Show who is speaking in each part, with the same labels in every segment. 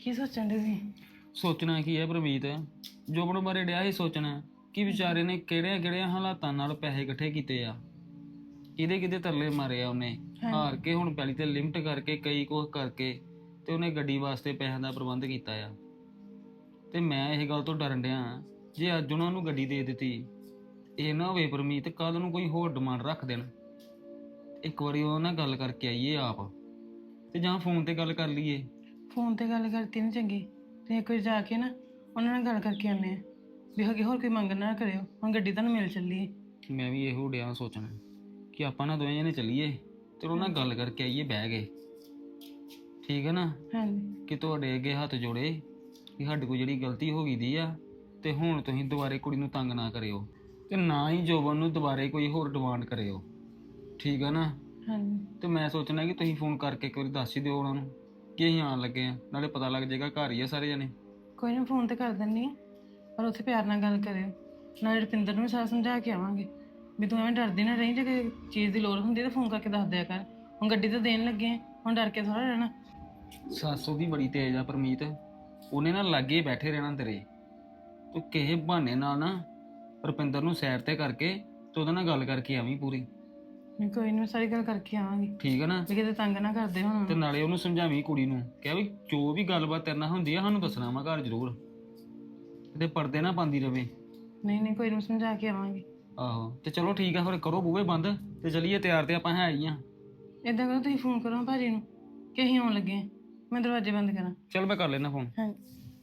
Speaker 1: ਕੀ ਸੋਚਣ ਦੇ ਸੀ?
Speaker 2: ਸੋਚਣਾ ਕੀ ਹੈ ਪ੍ਰਮੀਤ, ਜੋਬਨ ਬਾਰੇ ਡਿਆ ਸੀ ਸੋਚਣਾ ਕਿ ਵਿਚਾਰੇ ਨੇ ਕਿਹੜਿਆਂ ਕਿਹੜਿਆਂ ਹਾਲਾਤਾਂ ਨਾਲ ਪੈਸੇ ਇਕੱਠੇ ਕੀਤੇ ਆ, ਕਿਹਦੇ ਕਿਹਦੇ ਤਰਲੇ ਮਾਰੇ ਆ ਉਹਨੇ। ਹਾਰ ਕੇ ਹੁਣ ਪਹਿਲੀ ਤੇ ਲਿਮਟ ਕਰਕੇ ਕਈ ਕੁਝ ਕਰਕੇ ਤੇ ਉਹਨੇ ਗੱਡੀ ਵਾਸਤੇ ਪੈਸਿਆਂ ਦਾ ਪ੍ਰਬੰਧ ਕੀਤਾ ਆ। ਤੇ ਮੈਂ ਇਹ ਗੱਲ ਤੋਂ ਡਰਨ ਡਿਆ, ਜੇ ਅੱਜ ਉਹਨਾਂ ਨੂੰ ਗੱਡੀ ਦੇ ਦਿੱਤੀ, ਇਹ ਨਾ ਹੋਵੇ ਪ੍ਰਮੀਤ ਕੱਲ ਨੂੰ ਕੋਈ ਹੋਰ ਡਿਮਾਂਡ ਰੱਖ ਦੇਣ। ਇੱਕ ਵਾਰੀ ਉਹਨਾਂ ਨਾਲ ਗੱਲ ਕਰਕੇ ਆਈਏ ਆਪ, ਤੇ ਜਾਂ ਫੋਨ ਤੇ ਗੱਲ ਕਰ ਲਈਏ।
Speaker 1: ਫੋਨ ਤੇ ਗੱਲ ਕਰਤੀ ਨਾ ਚੰਗੀ, ਤੇ ਇੱਕ ਵਾਰ ਜਾ ਕੇ ਨਾ ਉਹਨਾਂ ਨਾਲ ਗੱਲ ਕਰਕੇ ਆਉਂਦੇ ਆ ਵੀ ਅੱਗੇ ਹੋਰ ਕੋਈ ਮੰਗ ਨਾ ਕਰਿਓ, ਹੁਣ ਗੱਡੀ ਤੁਹਾਨੂੰ ਮਿਲ ਚੱਲੀ ਹੈ।
Speaker 2: ਮੈਂ ਵੀ ਇਹੋ ਡਿਆ ਸੋਚਣਾ ਕਿ ਆਪਾਂ ਨਾ ਦੋਵੇਂ ਜਣੇ ਚੱਲੀਏ ਤੇ ਉਹਨਾਂ ਨਾਲ ਗੱਲ ਕਰਕੇ ਆਈਏ ਬਹਿ ਕੇ, ਠੀਕ ਹੈ ਨਾ।
Speaker 1: ਹਾਂਜੀ
Speaker 2: ਕਿ ਤੁਹਾਡੇ ਅੱਗੇ ਹੱਥ ਜੋੜੇ ਕਿ ਸਾਡੇ ਕੋਲ ਜਿਹੜੀ ਗਲਤੀ ਹੋ ਗਈ ਦੀ ਆ, ਤੇ ਹੁਣ ਤੁਸੀਂ ਦੁਬਾਰੇ ਕੁੜੀ ਨੂੰ ਤੰਗ ਨਾ ਕਰਿਓ, ਤੇ ਨਾ ਹੀ ਜੋਬਨ ਨੂੰ ਦੁਬਾਰੇ ਕੋਈ ਹੋਰ ਡਿਮਾਂਡ ਕਰਿਓ, ਠੀਕ ਆ ਨਾ।
Speaker 1: ਹਾਂਜੀ
Speaker 2: ਤੇ ਮੈਂ ਸੋਚਣਾ ਕਿ ਤੁਸੀਂ ਫੋਨ ਕਰਕੇ ਇੱਕ ਵਾਰੀ ਦੱਸ ਹੀ ਦਿਓ ਉਹਨਾਂ ਨੂੰ ਕਿ ਅਸੀਂ ਆਉਣ ਲੱਗੇ ਆ, ਨਾਲੇ ਪਤਾ ਲੱਗ ਜਾਏਗਾ ਘਰ ਹੀ ਆ ਸਾਰੇ ਜਣੇ।
Speaker 1: ਕੋਈ ਨਾ ਫੋਨ ਤੇ ਕਰ ਦਿੰਦੀ ਹਾਂ, ਪਰ ਉੱਥੇ ਪਿਆਰ ਨਾਲ ਗੱਲ ਕਰਿਓ। ਨਾਲੇ ਰੁਪਿੰਦਰ ਨੂੰ ਵੀ ਸਾਰਾ ਸਮਝਾ ਕੇ ਆਵਾਂਗੇ ਵੀ ਤੂੰ ਐਵੇਂ ਡਰਦੀ ਨਾ ਰਹੀ, ਜੇ ਕੋਈ ਚੀਜ਼ ਦੀ ਲੋੜ ਹੁੰਦੀ ਤਾਂ ਫੋਨ ਕਰਕੇ ਦੱਸ ਦਿਆ ਕਰ। ਹੁਣ ਗੱਡੀ ਤਾਂ ਦੇਣ ਲੱਗੇ ਆ, ਹੁਣ ਡਰ ਕੇ ਥੋੜਾ ਰਹਿਣਾ।
Speaker 2: ਸੱਸ ਉਹਦੀ ਬੜੀ ਤੇਜ਼ ਆ ਪਰਮੀਤ, ਉਹਨੇ ਨਾ ਲਾਗੇ ਬੈਠੇ ਰਹਿਣਾ ਤੇਰੇ। ਤੂੰ ਕਿਸੇ ਬਹਾਨੇ ਨਾਲ ਨਾ ਰੁਪਿੰਦਰ ਨੂੰ ਸਾਈਡ ਤੇ ਕਰਕੇ ਤੇ ਉਹਦੇ ਨਾਲ ਗੱਲ ਕਰਕੇ ਆਵੀਂ ਪੂਰੀ,
Speaker 1: ਨਹੀਂ ਕੋਈ ਨਹੀਂ, ਸਾਰੀ ਗੱਲ ਕਰਕੇ ਆਵਾਂਗੀ
Speaker 2: ਠੀਕ ਹੈ ਨਾ।
Speaker 1: ਵੀ ਕਿਤੇ ਤੰਗ ਨਾ ਕਰਦੇ ਹੁਣ।
Speaker 2: ਤੇ ਨਾਲੇ ਉਹਨੂੰ ਸਮਝਾਵੀਂ ਕੁੜੀ ਨੂੰ, ਕਿਹਾ ਵੀ ਜੋ ਵੀ ਗੱਲਬਾਤ ਤੇਰੇ ਨਾਲ ਹੁੰਦੀ ਆ ਸਾਨੂੰ ਦੱਸਣਾ ਵਾ ਘਰ ਜ਼ਰੂਰ, ਤੇ ਪਰਦੇ ਨਾ ਪਾਉਂਦੀ ਰਵੇ।
Speaker 1: ਨਹੀਂ ਨਹੀਂ ਕੋਈ ਨਹੀਂ, ਸਮਝਾ ਕੇ ਆਵਾਂਗੀ।
Speaker 2: ਆਹੋ ਤੇ ਚਲੋ ਠੀਕ ਆ, ਫਿਰ ਕਰੋ ਬੂਹੇ ਬੰਦ ਤੇ ਚਲੀਏ, ਤਿਆਰ ਤੇ ਆਪਾਂ ਹੈ ਹੀ ਆ।
Speaker 1: ਏਦਾਂ ਕਰੋ, ਤੁਸੀਂ ਫੋਨ ਕਰੋ ਭਾਜੀ ਨੂੰ ਕਿ ਅਸੀਂ ਆਉਣ ਲੱਗੇ ਹਾਂ, ਮੈਂ ਦਰਵਾਜ਼ੇ ਬੰਦ ਕਰਾਂ।
Speaker 2: ਚਲ ਮੈਂ ਕਰ ਲੈਣਾ ਫੋਨ।
Speaker 1: ਹਾਂਜੀ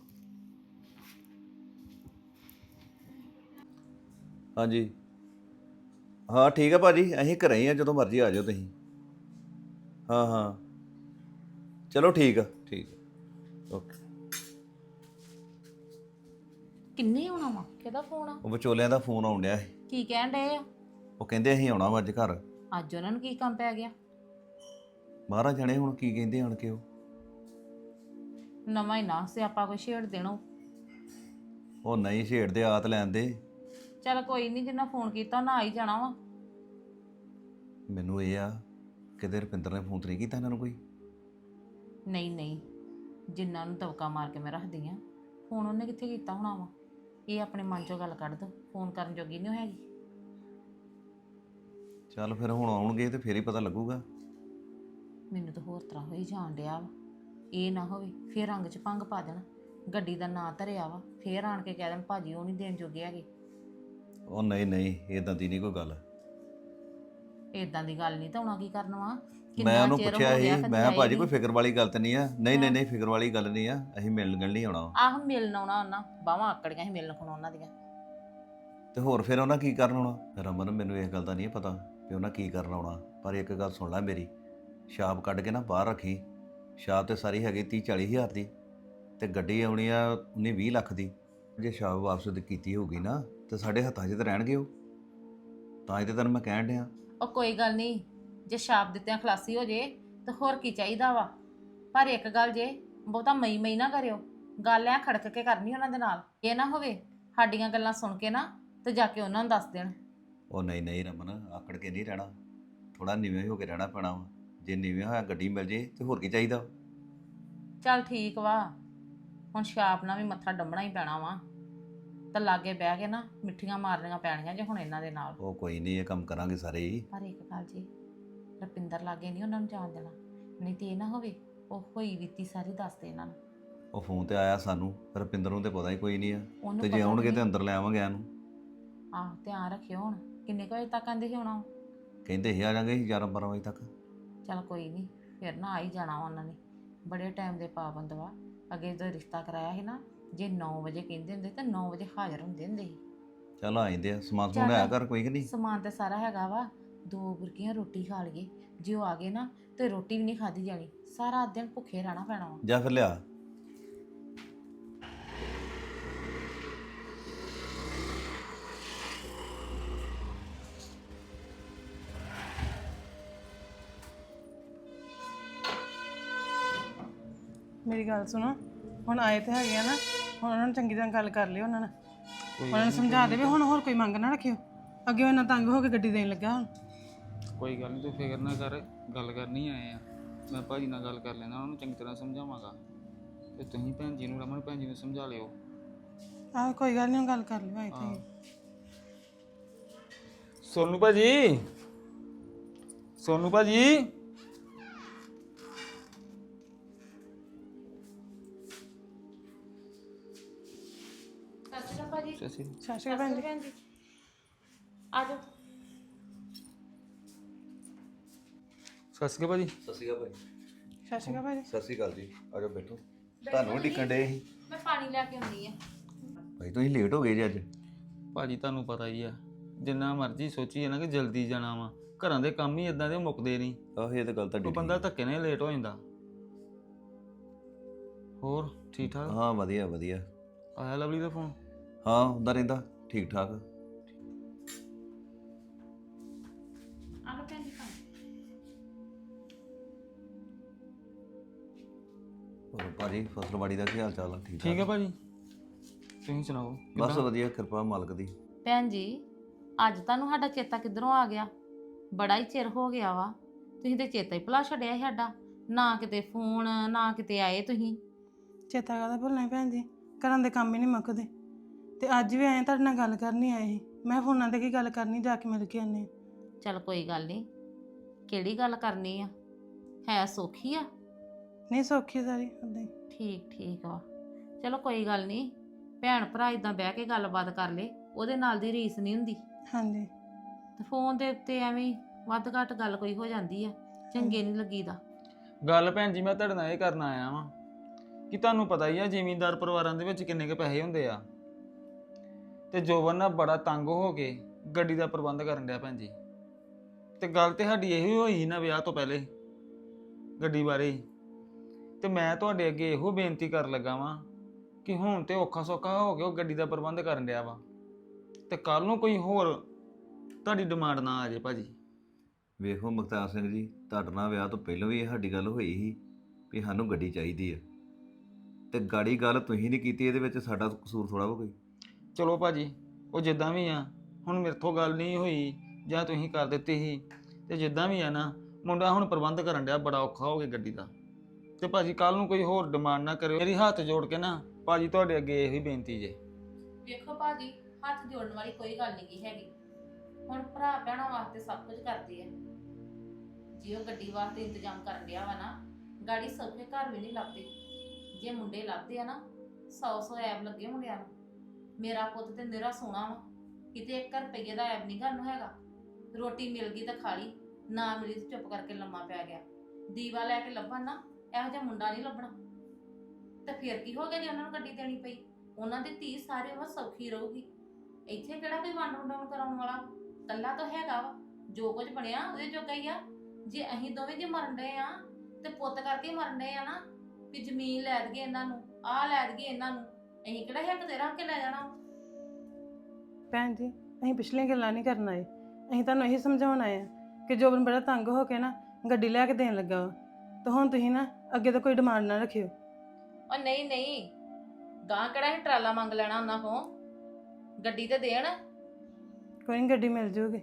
Speaker 3: ਹਾਂਜੀ ਹਾਂ ਠੀਕ ਆ ਭਾਜੀ, ਅਸੀਂ ਘਰੇ ਹੀ ਆ, ਜਦੋਂ ਮਰਜ਼ੀ ਆ ਜਾਓ ਤੁਸੀਂ। ਹਾਂ ਹਾਂ ਚਲੋ ਠੀਕ ਆ, ਠੀਕ ਆ, ਓਕੇ।
Speaker 4: ਕਿੰਨੇ ਆਉਣਾ ਵਾ? ਕਿਹਦਾ ਫੋਨ ਆ?
Speaker 3: ਉਹ ਵਿਚੋਲਿਆਂ ਦਾ ਫੋਨ ਆਉਣ ਡਿਆ ਸੀ,
Speaker 4: ਕੀ ਕਹਿਣ ਡਏ ਆ?
Speaker 3: ਉਹ ਕਹਿੰਦੇ ਅਸੀਂ ਆਉਣਾ ਵਾ ਅੱਜ ਘਰ।
Speaker 4: ਅੱਜ ਉਹਨਾਂ ਨੂੰ ਕੀ ਕੰਮ ਪੈ ਗਿਆ?
Speaker 3: ਮਹਾਰਾਜ ਜਾਣੇ ਹੁਣ ਕੀ ਕਹਿੰਦੇ ਆਣ ਕੇ। ਉਹ
Speaker 4: ਨਵਾਂ ਹੀ ਨਾ ਸਿਆਪਾ ਕੋਈ ਛੇੜ ਦੇਣੋ।
Speaker 3: ਉਹ ਨਹੀਂ ਛੇੜਦੇ, ਆਤ ਲੈਣ ਦੇ।
Speaker 4: ਚੱਲ ਕੋਈ ਨਹੀਂ, ਜਿੰਨਾ ਫੋਨ ਕੀਤਾ ਨਾ ਆ ਹੀ ਜਾਣਾ ਵਾ।
Speaker 3: ਮੈਨੂੰ ਇਹ ਆ ਕਿਤੇ ਰੁਪਿੰਦਰ ਨੇ ਫੋਨ ਤੇ ਨਹੀਂ ਕੀਤਾ ਇਹਨਾਂ ਨੂੰ ਕੋਈ।
Speaker 4: ਨਹੀਂ ਨਹੀਂ, ਜਿੰਨਾਂ ਨੂੰ ਦਵਕਾ ਮਾਰ ਕੇ ਮੈਂ ਰੱਖਦੀ ਆ, ਫੋਨ ਉਹਨੇ ਕਿੱਥੇ ਕੀਤਾ ਹੋਣਾ ਵਾ। ਇਹ ਆਪਣੇ ਮਨ ਚੋਂ ਗੱਲ ਕੱਢ ਦੋ, ਫੋਨ ਕਰਨ ਜੋਗੀ ਨਹੀਂ ਹੈਗੀ।
Speaker 3: ਚੱਲ ਫਿਰ ਹੁਣ ਆਉਣਗੇ ਤੇ ਫੇਰ ਹੀ ਪਤਾ ਲੱਗੂਗਾ।
Speaker 4: ਮੈਨੂੰ ਤਾਂ ਹੋਰ ਤਰ੍ਹਾਂ ਹੋਈ ਜਾਣ ਡਿਆ ਵਾ। ਇਹ ਨਾ ਹੋਵੇ ਫੇਰ ਰੰਗ 'ਚ ਭੰਗ ਪਾ ਦੇਣ, ਗੱਡੀ ਦਾ ਨਾਂ ਧਰਿਆ ਵਾ, ਫੇਰ ਆਣ ਕੇ ਕਹਿ ਦੇਣ ਭਾਜੀ ਉਹ ਨਹੀਂ ਦੇਣ ਜੋਗੇ ਹੈਗੇ।
Speaker 3: ਉਹ ਨਹੀਂ ਨਹੀਂ, ਇਦਾਂ ਦੀ ਨਹੀਂ ਕੋਈ ਗੱਲ।
Speaker 4: ਇਦਾਂ ਦੀ ਗੱਲ ਨਹੀਂ ਤਾਂ ਹੁਣ ਕੀ ਕਰਨਾ ਵਾ।
Speaker 3: ਮੈਂ ਉਹਨੂੰ
Speaker 4: ਚਿਰ
Speaker 3: ਪੁੱਛਿਆ
Speaker 4: ਹੋ
Speaker 3: ਸੀ,
Speaker 4: ਗਿਆ,
Speaker 3: ਮੈਂ
Speaker 4: ਕਦੇ
Speaker 3: ਕਿਹਾ
Speaker 4: ਆਈ
Speaker 3: ਭਾਜੀ
Speaker 4: ਨੀ।
Speaker 3: ਕੋਈ ਫਿਕਰ ਵਾਲੀ ਗੱਲ ਤਾਂ ਨਹੀਂ ਆ। ਨਹੀਂ ਨਹੀਂ ਨਹੀਂ, ਫਿਕਰ ਵਾਲੀ ਗੱਲ ਨਹੀਂ ਆ, ਅਸੀਂ ਮਿਲਣ ਨਹੀਂ ਆਉਣਾ।
Speaker 4: ਆਹ ਮਿਲਣ ਆਉਣਾ ਉਹਨਾਂ, ਬਾਹਾਂ ਆਕੜੀਆਂ ਸੀ ਮਿਲਣ ਖਣੋ ਉਹਨਾਂ ਦੀਆਂ।
Speaker 3: ਤੇ ਹੋਰ ਫਿਰ ਉਹਨਾਂ ਕੀ ਕਰਨ ਆਉਣਾ? ਰਮਨ ਮੈਨੂੰ ਇਸ ਗੱਲ ਦਾ ਨਹੀਂ ਪਤਾ ਵੀ ਉਹਨਾਂ ਕੀ ਕਰਨ ਆਉਣਾ, ਪਰ ਇੱਕ ਗੱਲ ਸੁਣ ਲੈ ਮੇਰੀ, ਛਾਪ ਕੱਢ ਕੇ ਨਾ ਬਾਹਰ ਰੱਖੀ। ਛਾਪ ਤੇ ਸਾਰੀ ਹੈਗੀ 30-40 ਹਜ਼ਾਰ ਦੀ, ਤੇ ਗੱਡੀ ਆਉਣੀ ਆ 19-20 ਲੱਖ ਦੀ। ਜੇ ਛਾਪ ਵਾਪਸ ਕੀਤੀ ਹੋਊਗੀ ਨਾ ਤੇ ਸਾਡੇ ਹੱਥਾਂ 'ਚ ਤਾਂ ਰਹਿਣਗੇ ਉਹ। ਤਾਂ ਹੀ ਤੇ ਤੈਨੂੰ ਮੈਂ ਕਹਿਣ ਡਿਆ।
Speaker 4: ਉਹ ਕੋਈ ਗੱਲ ਨਹੀਂ, ਜੇ ਛਾਪ ਦਿੱਤਿਆਂ ਖਲਾਸੀ ਹੋ ਜੇ ਤਾਂ ਹੋਰ ਕੀ ਚਾਹੀਦਾ ਵਾ। ਪਰ ਇੱਕ ਗੱਲ ਜੇ, ਬਹੁਤਾ ਮਈ ਨਾ ਕਰਿਓ। ਗੱਲ ਐ ਖੜਕ ਕੇ ਕਰਨੀ ਉਹਨਾਂ ਦੇ ਨਾਲ। ਇਹ ਨਾ ਹੋਵੇ ਸਾਡੀਆਂ ਗੱਲਾਂ ਸੁਣ ਕੇ ਨਾ ਤੇ ਜਾ ਕੇ ਉਹਨਾਂ ਨੂੰ ਦੱਸ ਦੇਣ।
Speaker 3: ਉਹ ਨਹੀਂ ਨਹੀਂ ਰਮਨ, ਆਕੜ ਕੇ ਨਹੀਂ ਰਹਿਣਾ, ਥੋੜਾ ਨੀਵੇਂ ਹੋ ਕੇ ਰਹਿਣਾ ਪੈਣਾ ਵਾ। ਜੇ ਨੀਵੇਂ ਹੋਇਆ ਗੱਡੀ ਮਿਲ ਜੇ ਤੇ ਹੋਰ ਕੀ ਚਾਹੀਦਾ।
Speaker 4: ਚੱਲ ਠੀਕ ਵਾ, ਹੁਣ ਛਾਪ ਨਾਲ ਵੀ ਮੱਥਾ ਡੰਮਣਾ ਹੀ ਪੈਣਾ ਵਾ, ਤਾਂ ਲਾਗੇ ਬਹਿ ਕੇ ਨਾ ਮਿੱਠੀਆਂ ਮਾਰਨੀਆਂ ਪੈਣੀਆਂ ਜੇ ਹੁਣ ਇਹਨਾਂ ਦੇ ਨਾਲ।
Speaker 3: ਉਹ ਕੋਈ ਨਹੀਂ, ਇਹ ਕੰਮ ਕਰਾਂਗੇ ਸਾਰੇ ਹੀ।
Speaker 4: ਪਰ ਇੱਕ ਗੱਲ ਜੀ, ਰੁਪਿੰਦਰ ਲਾਗੇ ਨਹੀਂ ਉਹਨਾਂ ਨੂੰ ਜਾਣ ਦੇਣਾ, ਨਹੀਂ ਤੇ ਇਹ ਨਾ ਹੋਵੇ ਉਹ ਹੋਈ ਬੀਤੀ ਸਾਰੀ ਦੱਸ ਦੇ ਇਹਨਾਂ ਨੂੰ।
Speaker 3: ਉਹ ਫੋਨ ਤੇ ਆਇਆ ਸਾਨੂੰ, ਰੁਪਿੰਦਰ ਨੂੰ ਤੇ ਪਤਾ ਹੀ ਕੋਈ ਨਹੀਂ ਆ।
Speaker 4: ਉਹਨੂੰ
Speaker 3: ਤੇ ਜੇ
Speaker 4: ਪਤਾ
Speaker 3: ਆਉਣਗੇ
Speaker 4: ਵੀ
Speaker 3: ਤੇ ਅੰਦਰ ਲੈ ਆਵਾਂਗੇ ਇਹਨੂੰ।
Speaker 4: ਆਹ ਧਿਆਨ ਰੱਖਿਓ। ਹੁਣ ਕਿੰਨੇ ਕੁ ਵਜੇ ਤੱਕ ਆਂਦੇ ਸੀ ਆਉਣਾ?
Speaker 3: ਕਹਿੰਦੇ ਸੀ ਆ ਜਾਾਂਗੇ 11-12 ਵਜੇ ਤੱਕ।
Speaker 4: ਚੱਲ ਕੋਈ ਨਹੀਂ, ਫਿਰ ਨਾ ਆ ਹੀ ਜਾਣਾ ਵਾ ਉਹਨਾਂ ਨੇ। ਬੜੇ ਟਾਈਮ ਦੇ ਪਾਬੰਦ ਵਾ। ਅੱਗੇ ਜਦੋਂ ਰਿਸ਼ਤਾ ਕਰਾਇਆ ਸੀ ਨਾ, ਜੇ 9 ਵਜੇ ਕਹਿੰਦੇ ਹੁੰਦੇ ਤਾਂ 9 ਵਜੇ ਹਾਜ਼ਰ ਹੁੰਦੇ ਹੁੰਦੇ ਸੀ।
Speaker 3: ਚੱਲ ਆ ਜਾਂਦੇ ਆ, ਸਮਾਨ ਸਮੂਨ
Speaker 4: ਚੱਲ।
Speaker 3: ਆਇਆ ਕਰ ਕੋਈ ਕਿ ਨਹੀਂ।
Speaker 4: ਸਮਾਨ ਤਾਂ ਸਾਰਾ ਹੈਗਾ ਵਾ, 2 ਬੁਰਕੀਆਂ ਰੋਟੀ ਖਾ ਲਈਏ। ਜੇ ਉਹ ਆ ਗਏ ਨਾ ਤੇ ਰੋਟੀ ਵੀ ਨਹੀਂ ਖਾਧੀ ਜਾਣੀ, ਸਾਰਾ ਦਿਨ ਭੁੱਖੇ ਰਹਿਣਾ ਪੈਣਾ ਵਾ।
Speaker 3: ਜਾ ਫਿਰ ਲਿਆ।
Speaker 1: ਮੇਰੀ ਗੱਲ ਸੁਣੋ, ਹੁਣ ਆਏ ਤੇ ਹੈਗੇ ਆ ਨਾ, ਹੁਣ ਉਹਨਾਂ ਨੂੰ ਚੰਗੀ ਤਰ੍ਹਾਂ ਗੱਲ ਕਰ ਲਿਓ ਉਹਨਾਂ ਨਾਲ। ਉਹਨਾਂ ਨੂੰ ਸਮਝਾ ਦੇ ਵੀ ਹੁਣ ਹੋਰ ਕੋਈ ਮੰਗ ਨਾ ਰੱਖਿਓ। ਅੱਗੇ ਉਹਨਾਂ ਤੰਗ ਹੋ ਕੇ ਗੱਡੀ ਦੇਣ ਲੱਗਾ ਹੁਣ।
Speaker 2: ਕੋਈ ਗੱਲ ਨਹੀਂ, ਤੂੰ ਫਿਕਰ ਨਾ ਕਰ, ਗੱਲ ਕਰਨੀ ਆਏ ਆ। ਮੈਂ ਭਾਜੀ ਨਾਲ ਗੱਲ ਕਰ ਲੈਣਾ, ਉਹਨੂੰ ਚੰਗੀ ਤਰ੍ਹਾਂ ਸਮਝਾਵਾਂਗਾ ਤੇ ਤੁਸੀਂ ਭੈਣ ਜੀ ਨੂੰ ਰਮਨ ਭੈਣ ਜੀ ਨੂੰ ਸਮਝਾ ਲਿਓ।
Speaker 1: ਆਹ ਕੋਈ ਗੱਲ ਨਹੀਂ, ਗੱਲ ਕਰ ਲਿਓ ਆਏ ਤੇ।
Speaker 2: ਸੋਨੂ ਭਾਜੀ, ਸੋਨੂ ਭਾਜੀ।
Speaker 4: ਸਤਿ ਸ਼੍ਰੀ ਅਕਾਲ ਭਾਜੀ।
Speaker 2: ਸਤਿ ਸ਼੍ਰੀ ਅਕਾਲ।
Speaker 1: ਸਤਿ ਸ਼੍ਰੀ ਅਕਾਲ ਭੈਣ ਜੀ।
Speaker 4: ਆ ਜਾਓ।
Speaker 2: ਸਤਿ ਸ਼੍ਰੀ ਅਕਾਲ ਭਾਜੀ।
Speaker 3: ਸਤਿ ਸ਼੍ਰੀ ਅਕਾਲ ਭਾਈ।
Speaker 1: ਸਤਿ ਸ਼੍ਰੀ ਅਕਾਲ ਭਾਜੀ।
Speaker 3: ਸਤਿ ਸ਼੍ਰੀ ਅਕਾਲ ਜੀ, ਆ ਜਾਓ ਬੈਠੋ। ਤੁਹਾਨੂੰ ਵੀ ਡਿੱਕਣ ਡੇ ਸੀ
Speaker 4: ਮੈਂ ਪਾਣੀ ਲੈ ਕੇ ਆਉਂਦੀ ਆ।
Speaker 3: ਭਾਈ, ਤੁਸੀਂ ਲੇਟ ਹੋ ਗਏ ਜੀ ਅੱਜ।
Speaker 2: ਭਾਜੀ ਤੁਹਾਨੂੰ ਪਤਾ ਹੀ ਆ, ਜਿੰਨਾ ਮਰਜ਼ੀ ਸੋਚੀਏ ਨਾ ਕਿ ਜਲਦੀ ਜਾਣਾ ਵਾ, ਘਰਾਂ ਦੇ ਕੰਮ ਹੀ ਇਦਾਂ ਦੇ ਮੁੱਕਦੇ ਨਹੀਂ।
Speaker 3: ਆਹ ਇਹ ਤਾਂ ਗੱਲ ਤੁਹਾਡੀ
Speaker 2: ਉਹ ਬੰਦਾ ਧੱਕੇ ਨਾਲ ਲੇਟ ਹੋ ਜਾਂਦਾ। ਹੋਰ ਠੀਕ ਠਾਕ?
Speaker 3: ਹਾਂ ਵਧੀਆ ਵਧੀਆ।
Speaker 2: ਆਇਆ ਲਵਲੀ ਦਾ ਫੋਨ?
Speaker 3: ਹਾਂ ਹੁੰਦਾ ਰਹਿੰਦਾ, ਠੀਕ ਠਾਕ।
Speaker 4: ਆ ਲਓ ਭੈਣ ਜੀ ਪਾਣੀ।
Speaker 3: ਹੋਰ ਭਾਜੀ, ਫਸਲਵਾੜੀ ਦਾ ਕੀ ਹਾਲ ਚਾਲ ਆ? ਠੀਕ
Speaker 2: ਠੀਕ ਹੈ
Speaker 3: ਠਾਕ?
Speaker 2: ਭਾਜੀ, ਤੁਸੀਂ ਸੁਣਾਓ?
Speaker 3: ਬਸ
Speaker 2: ਕਿੱਦਾਂ?
Speaker 3: ਵਧੀਆ, ਕਿਰਪਾ ਮਾਲਕ ਦੀ।
Speaker 4: ਭੈਣ ਜੀ, ਅੱਜ ਤੁਹਾਨੂੰ ਸਾਡਾ ਚੇਤਾ ਕਿੱਧਰੋਂ ਆ ਗਿਆ? ਬੜਾ ਹੀ ਚਿਰ ਹੋ ਗਿਆ ਵਾ, ਤੁਸੀਂ ਤੇ ਚੇਤਾ ਹੀ ਭੁਲਾ ਛੱਡਿਆ ਸੀ ਸਾਡਾ। ਨਾ ਕਿਤੇ ਫੋਨ, ਨਾ ਕਿਤੇ ਆਏ ਤੁਸੀਂ।
Speaker 1: ਚੇਤਾ ਕਾਹਦਾ ਭੁੱਲਣਾ ਭੈਣ ਜੀ, ਘਰਾਂ ਦੇ ਕੰਮ ਹੀ ਨਹੀਂ ਮੁੱਕਦੇ। ਤੇ ਅੱਜ ਵੀ ਆਏ ਤੁਹਾਡੇ ਨਾਲ ਗੱਲ ਕਰਨੀ ਆਏ ਸੀ। ਮੈਂ ਫੋਨਾਂ ਤੇ ਕੀ ਗੱਲ ਕਰਨੀ, ਜਾ ਕੇ ਮਿਲ ਕੇ ਆਨੇ।
Speaker 4: ਚਲ ਕੋਈ ਗੱਲ ਨਹੀਂ, ਕਿਹੜੀ ਗੱਲ ਕਰਨੀ ਆ? ਹੈ ਸੌਖੀ ਆ?
Speaker 1: ਨਹੀਂ ਸੌਖੀ ਸਾਰੀ ਉਦਾਂ ਹੀ।
Speaker 4: ਠੀਕ ਠੀਕ ਵਾ। ਚਲੋ ਕੋਈ ਗੱਲ ਨਹੀਂ, ਭੈਣ ਭਰਾ ਇਦਾਂ ਬਹਿ ਕੇ ਗੱਲਬਾਤ ਕਰ ਲੇ, ਉਹਦੇ ਨਾਲ ਦੀ ਰੀਸ ਨਹੀਂ ਹੁੰਦੀ।
Speaker 1: ਹਾਂਜੀ।
Speaker 4: ਤੇ ਫੋਨ ਦੇ ਉੱਤੇ ਐਵੇਂ ਵੱਧ ਘੱਟ ਗੱਲ ਕੋਈ ਹੋ ਜਾਂਦੀ ਆ, ਚੰਗੇ ਨਹੀਂ ਲੱਗੀਦਾ।
Speaker 2: ਗੱਲ ਭੈਣ ਜੀ ਮੈਂ ਤੁਹਾਡੇ ਨਾਲ ਇਹ ਕਰਨ ਆਇਆ ਵਾਂ ਕਿ ਤੁਹਾਨੂੰ ਪਤਾ ਹੀ ਆ ਜ਼ਿਮੀਂਦਾਰ ਪਰਿਵਾਰਾਂ ਦੇ ਵਿੱਚ ਕਿੰਨੇ ਕੁ ਪੈਸੇ ਹੁੰਦੇ ਆ। ਤੇ ਜੋਬਨ ਨਾ ਬੜਾ ਤੰਗ ਹੋ ਕੇ ਗੱਡੀ ਦਾ ਪ੍ਰਬੰਧ ਕਰਨ ਡਿਆ ਭੈਣ ਜੀ। ਤੇ ਗੱਲ ਤੇ ਸਾਡੀ ਇਹੋ ਹੋਈ ਸੀ ਨਾ ਵਿਆਹ ਤੋਂ ਪਹਿਲੇ, ਗੱਡੀ ਬਾਰੇ ਹੀ। ਤੇ ਮੈਂ ਤੁਹਾਡੇ ਅੱਗੇ ਇਹੋ ਬੇਨਤੀ ਕਰਨ ਲੱਗਾ ਵਾਂ ਕਿ ਹੁਣ ਤੇ ਔਖਾ ਸੌਖਾ ਹੋ ਕੇ ਉਹ ਗੱਡੀ ਦਾ ਪ੍ਰਬੰਧ ਕਰਨ ਡਿਆ ਵਾ, ਤੇ ਕੱਲ ਨੂੰ ਕੋਈ ਹੋਰ ਤੁਹਾਡੀ ਡਿਮਾਂਡ ਨਾ ਆ ਜੇ ਭਾਜੀ।
Speaker 3: ਵੇਖੋ ਮੁਖਤਾਰ ਸਿੰਘ ਜੀ, ਤੁਹਾਡੇ ਨਾਲ ਵਿਆਹ ਤੋਂ ਪਹਿਲਾਂ ਵੀ ਇਹ ਸਾਡੀ ਗੱਲ ਹੋਈ ਸੀ ਵੀ ਸਾਨੂੰ ਗੱਡੀ ਚਾਹੀਦੀ ਆ, ਤੇ ਗਾੜੀ ਗੱਲ ਤੁਸੀਂ ਨਹੀਂ ਕੀਤੀ, ਇਹਦੇ ਵਿੱਚ ਸਾਡਾ ਕਸੂਰ ਥੋੜਾ ਵਾ ਕੋਈ।
Speaker 2: ਚਲੋ ਭਾਜੀ, ਉਹ ਜਿੱਦਾਂ ਵੀ ਆ, ਹੁਣ ਮੇਰੇ ਤੋਂ ਗੱਲ ਨਹੀਂ ਹੋਈ ਜਾਂ ਤੁਸੀਂ ਕਰ ਦਿੱਤੀ ਸੀ, ਤੇ ਜਿੱਦਾਂ ਵੀ ਆ ਨਾ, ਮੁੰਡਾ ਹੁਣ ਪ੍ਰਬੰਧ ਕਰਨ ਡਿਆ ਬੜਾ ਔਖਾ ਹੋ ਗਿਆ ਗੱਡੀ ਦਾ। ਤੇ ਭਾਜੀ ਕੱਲ ਨੂੰ ਕੋਈ ਹੋਰ ਡਿਮਾਂਡ ਨਾ ਕਰਿਓ। ਮੇਰੀ ਹੱਥ ਜੋੜ ਕੇ ਨਾ ਭਾਜੀ ਤੁਹਾਡੇ ਅੱਗੇ ਇਹੀ ਬੇਨਤੀ ਜੇ।
Speaker 4: ਵੇਖੋ ਭਾਜੀ, ਹੱਥ ਜੋੜਨ ਵਾਲੀ ਕੋਈ ਗੱਲ ਨਹੀਂ ਹੈਗੀ। ਹੁਣ ਭਰਾ ਭੈਣਾਂ ਵਾਸਤੇ ਸਭ ਕੁਝ ਕਰਦੇ ਆ। ਜੇ ਉਹ ਗੱਡੀ ਵਾਸਤੇ ਇੰਤਜ਼ਾਮ ਕਰਨ ਡਿਆ ਵਾ ਨਾ, ਗਾੜੀ ਸੌਖੇ ਘਰ ਵੀ ਨਹੀਂ ਲੱਭਦੇ। ਜੇ ਮੁੰਡੇ ਲੱਭਦੇ ਆ ਨਾ, 100 ਐਬ ਲੱਗੇ ਮੁੰਡਿਆਂ ਨੂੰ। ਮੇਰਾ ਪੁੱਤ ਤੇ ਨਿਰਾ ਸੋਹਣਾ ਵਾ, ਕਿਤੇ 1 ਰੁਪਈਏ ਦਾ ਐਬ ਨਹੀਂ ਘਰ ਨੂੰ ਹੈਗਾ। ਰੋਟੀ ਮਿਲ ਗਈ ਤਾਂ ਖਾ ਲਈ, ਨਾ ਮਿਲੀ ਤਾਂ ਚੁੱਪ ਕਰਕੇ ਲੰਮਾ ਪੈ ਗਿਆ। ਦੀਵਾ ਲੈ ਕੇ ਲੱਭਣ ਨਾ, ਇਹੋ ਜਿਹਾ ਮੁੰਡਾ ਨਹੀਂ ਲੱਭਣਾ। ਤੇ ਫਿਰ ਕੀ ਹੋ ਗਿਆ ਜੇ ਉਹਨਾਂ ਨੂੰ ਗੱਡੀ ਦੇਣੀ ਪਈ? ਉਹਨਾਂ ਦੀ ਧੀ ਸਾਰੇ ਉਹ ਸੌਖੀ ਰਹੂਗੀ। ਇੱਥੇ ਕਿਹੜਾ ਕੋਈ ਵੰਡ ਵੰਡਾਉਣ ਕਰਾਉਣ ਵਾਲਾ? ਕੱਲਾ ਤਾਂ ਹੈਗਾ ਵਾ, ਜੋ ਕੁਝ ਬਣਿਆ ਉਹਦੇ ਜੋਗਾ ਹੀ ਆ। ਜੇ ਅਸੀਂ ਦੋਵੇਂ ਜੇ ਮਰਨ ਡਏ ਆ ਤੇ ਪੁੱਤ ਕਰਕੇ ਮਰਨ ਡਏ ਆ ਨਾ, ਵੀ ਜ਼ਮੀਨ ਲੈ ਦਈਏ ਇਹਨਾਂ ਨੂੰ, ਆਹ ਲੈ ਦਈਏ ਇਹਨਾਂ ਨੂੰ, ਅਸੀਂ ਕਿਹੜਾ ਹਿੱਕ ਤੇ ਰੱਖ ਕੇ ਲੈ ਜਾਣਾ?
Speaker 1: ਭੈਣ ਜੀ, ਅਸੀਂ ਪਿਛਲੀਆਂ ਗੱਲਾਂ ਨਹੀਂ ਕਰਨ ਆਏ। ਅਸੀਂ ਤੁਹਾਨੂੰ ਇਹੀ ਸਮਝਾਉਣ ਆਏ ਆ ਕਿ ਜੋਬਨ ਬੜਾ ਤੰਗ ਹੋ ਕੇ ਨਾ ਗੱਡੀ ਲੈ ਕੇ ਦੇਣ ਲੱਗਾ ਵਾ। ਤਾਂ ਹੁਣ ਤੁਸੀਂ ਨਾ ਅੱਗੇ ਤੋਂ ਕੋਈ ਡਿਮਾਂਡ ਨਾ ਰੱਖਿਓ।
Speaker 4: ਉਹ ਨਹੀਂ ਨਹੀਂ, ਗਾਂ ਕਿਹੜਾ ਅਸੀਂ ਟਰਾਲਾ ਮੰਗ ਲੈਣਾ ਉਹਨਾਂ ਕੋਲ? ਗੱਡੀ ਤੇ ਦੇਣ।
Speaker 1: ਕੋਈ ਨਹੀਂ, ਗੱਡੀ ਮਿਲ ਜੂਗੀ।